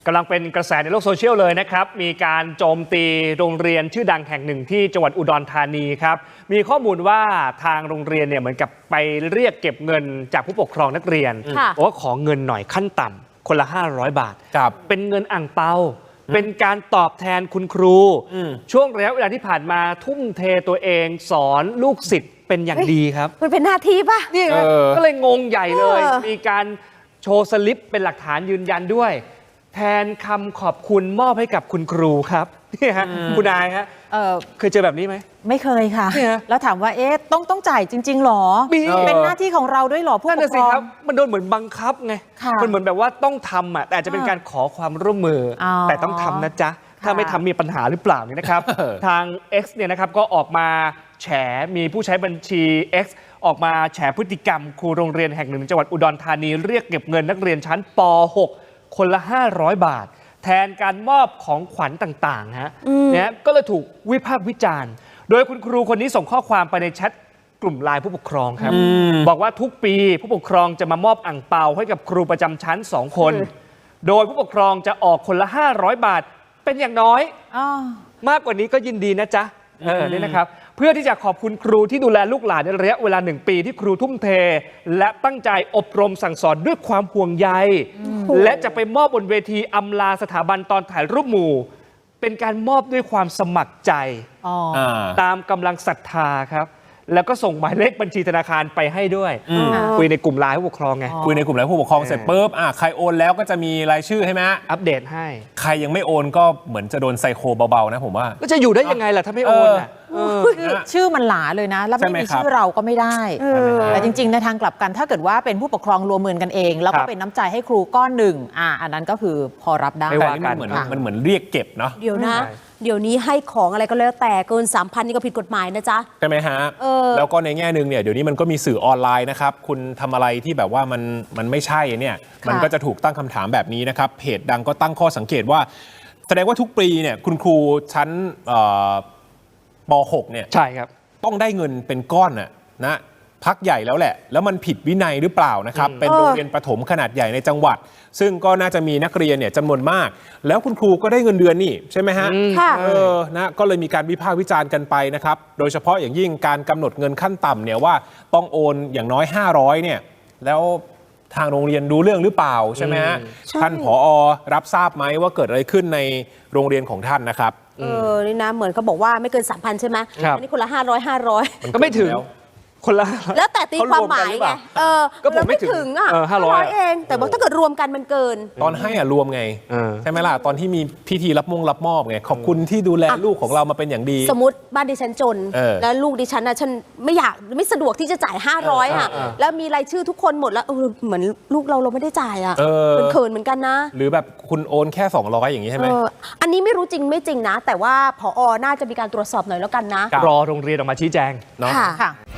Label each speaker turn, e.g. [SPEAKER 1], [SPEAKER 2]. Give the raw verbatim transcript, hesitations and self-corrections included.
[SPEAKER 1] กำลังเป็นกระแสในโลกโซเชียลเลยนะครับมีการโจมตีโรงเรียนชื่อดังแห่งหนึ่งที่จังหวัดอุดรธานีครับมีข้อมูลว่าทางโรงเรียนเนี่ยเหมือนกับไปเรียกเก็บเงินจากผู้ปกครองนักเรียนบอกว่าขอเงินหน่อยขั้นต่ำคนละห้าร้อยบาทเป็นเงินอ่างเปาเป็นการตอบแทนคุณครูช่วงระยะเวลาที่ผ่านมาทุ่มเทตัวเองสอนลูกศิษย์เป็นอย่างดีครับ
[SPEAKER 2] มันเป็นหน้าที่ป่ะ
[SPEAKER 1] นี่ครับก็เลยงงใหญ่เลยมีการโชว์สลิปเป็นหลักฐานยืนยันด้วยแทนคำขอบคุณมอบให้กับคุณครูครับนี่ฮะคุณนายฮะเคยเจอแบบนี้ไหม
[SPEAKER 2] ไม่เคยค่ะแล้วถามว่าเอ๊ะต้องต้องจ่ายจริงๆหรอเป็นหน้าที่ของเราด้วยหรอผู้ปกครอง
[SPEAKER 1] มันโดนเหมือนบังคับไงมันเหมือนแบบว่าต้องทำอ่ะแต่อาจจะเป็นการขอความร่วมมือแต่ต้องทำนะจ๊ะถ้าไม่ทำมีปัญหาหรือเปล่านี่นะครับทาง X เนี่ยนะครับก็ออกมาแฉมีผู้ใช้บัญชี X ออกมาแฉพฤติกรรมครูโรงเรียนแห่งหนึ่งจังหวัดอุดรธานีเรียกเก็บเงินนักเรียนชั้นป หกคนละห้าร้อยบาทแทนการมอบของขวัญต่างๆฮะเนี่ยก็เลยถูกวิพากษ์วิจารณ์โดยคุณครูคนนี้ส่งข้อความไปในแชทกลุ่มไลน์ผู้ปกครองครับบอกว่าทุกปีผู้ปกครองจะมามอบอั่งเปาให้กับครูประจำชั้นสองคนโดยผู้ปกครองจะออกคนละห้าร้อยบาทเป็นอย่างน้อยมากกว่านี้ก็ยินดีนะจ๊ะเออนี่นะครับเพื่อที่จะขอบคุณครูที่ดูแลลูกหลานในระยะเวลาหนึ่งปีที่ครูทุ่มเทและตั้งใจอบรมสั่งสอนด้วยความห่วงใยและจะไปมอบบนเวทีอำลาสถาบันตอนถ่ายรูปหมู่เป็นการมอบด้วยความสมัครใจตามกำลังศรัทธาครับแล้วก็ส่งหมายเลขบัญชีธนาคารไปให้ด้วยคุยในกลุ่มไลน์ผู้ปกครองไง
[SPEAKER 3] คุยในกลุ่มไลน์ผู้ปกครองเสร็จปุ๊บอ่ะใครโอนแล้วก็จะมีรายชื่อให้ไหม
[SPEAKER 1] อัปเดตให้
[SPEAKER 3] ใครยังไม่โอนก็เหมือนจะโดนไซโคเบาๆนะผมว่า
[SPEAKER 1] ก็จะอยู่ได้ยังไงล่ะถ้าไม่โอนอ่ะ
[SPEAKER 2] ชื่อมันหลาเลยนะแล้วไม่มีชื่อเราก็ไม่ได้แต่จริงๆในทางกลับกันถ้าเกิดว่าเป็นผู้ปกครองรวมมือกันเองแล้วก็เป็นน้ำใจให้ครูก้อนหนึ่งอ่ะอันนั้นก็คือพอรับได้
[SPEAKER 3] แต่นี่มันเหมือนมันเหมือนเรียกเก็บเนาะ
[SPEAKER 4] เดี๋ยวนะเดี๋ยวนี้ให้ของอะไรก็แล้วแต่เกิน สามพัน นี่ก็ผิดกฎหมายนะจ๊ะ
[SPEAKER 3] ใช่ไหมฮะแล้วก็ในแง่นึงเนี่ยเดี๋ยวนี้มันก็มีสื่อออนไลน์นะครับคุณทำอะไรที่แบบว่ามันมันไม่ใช่เนี่ยมันก็จะถูกตั้งคำถามแบบนี้นะครับเพจดังก็ตั้งข้อสังเกตว่าแสดงว่าทุกปีเนี่ยคุณครูชั้นป หกเนี่ย
[SPEAKER 1] ใช่ครับ
[SPEAKER 3] ต้องได้เงินเป็นก้อนน่ะนะพักใหญ่แล้วแหละแล้วมันผิดวินัยหรือเปล่านะครับเป็นโรงเรียนประถมขนาดใหญ่ในจังหวัดซึ่งก็น่าจะมีนักเรียนเนี่ยจำนวนมากแล้วคุณครูก็ได้เงินเดือนนี่ใช่ไหมฮะเออนะก็เลยมีการวิพากษ์วิจารณ์กันไปนะครับโดยเฉพาะอย่างยิ่งการกำหนดเงินขั้นต่ำเนี่ยว่าต้องโอนอย่างน้อยห้าร้อยเนี่ยแล้วทางโรงเรียนดูเรื่องหรือเปล่าใช่ไหมฮะท่านผอ.รับทราบไหมว่าเกิดอะไรขึ้นในโรงเรียนของท่านนะครับ
[SPEAKER 4] เออนี่นะเหมือนเขาบอกว่าไม่เกิน สามพัน ใช่ไหมอันนี้คนละห้าร้อย ห้าร้อย
[SPEAKER 1] ก็ไม่ถึงคนละ
[SPEAKER 4] แล้วแต่ตีความหมายไงเออ
[SPEAKER 1] ก็ผมไม่ถึง
[SPEAKER 4] อ่ะห้าร้อยเองแต่ว่าถ้าเกิดรวมกันมันเกิน
[SPEAKER 3] ตอนให้อ่ะรวมไงใช่ไหมล่ะตอนที่มีพิธีรับมงรับมอบไงขอบคุณที่ดูแลลูกของเรามาเป็นอย่างดี
[SPEAKER 4] สมมติบ้านดิฉันจนแล้วลูกดิฉันนะฉันไม่อยากไม่สะดวกที่จะจ่ายห้าร้อยอ่ะแล้วมีรายชื่อทุกคนหมดแล้วเหมือนลูกเราเราไม่ได้จ่ายอ่ะเป็นเขินเหมือนกันนะ
[SPEAKER 3] หรือแบบคุณโอนแค่สองร้อยอย่างนี้ใช่ไหม
[SPEAKER 4] อันนี้ไม่รู้จริงไม่จริงนะแต่ว่าผอ.น่าจะมีการตรวจสอบหน่อยแล้วกันนะ
[SPEAKER 1] รอโรงเรียนออกมาชี้แจง
[SPEAKER 3] เนาะ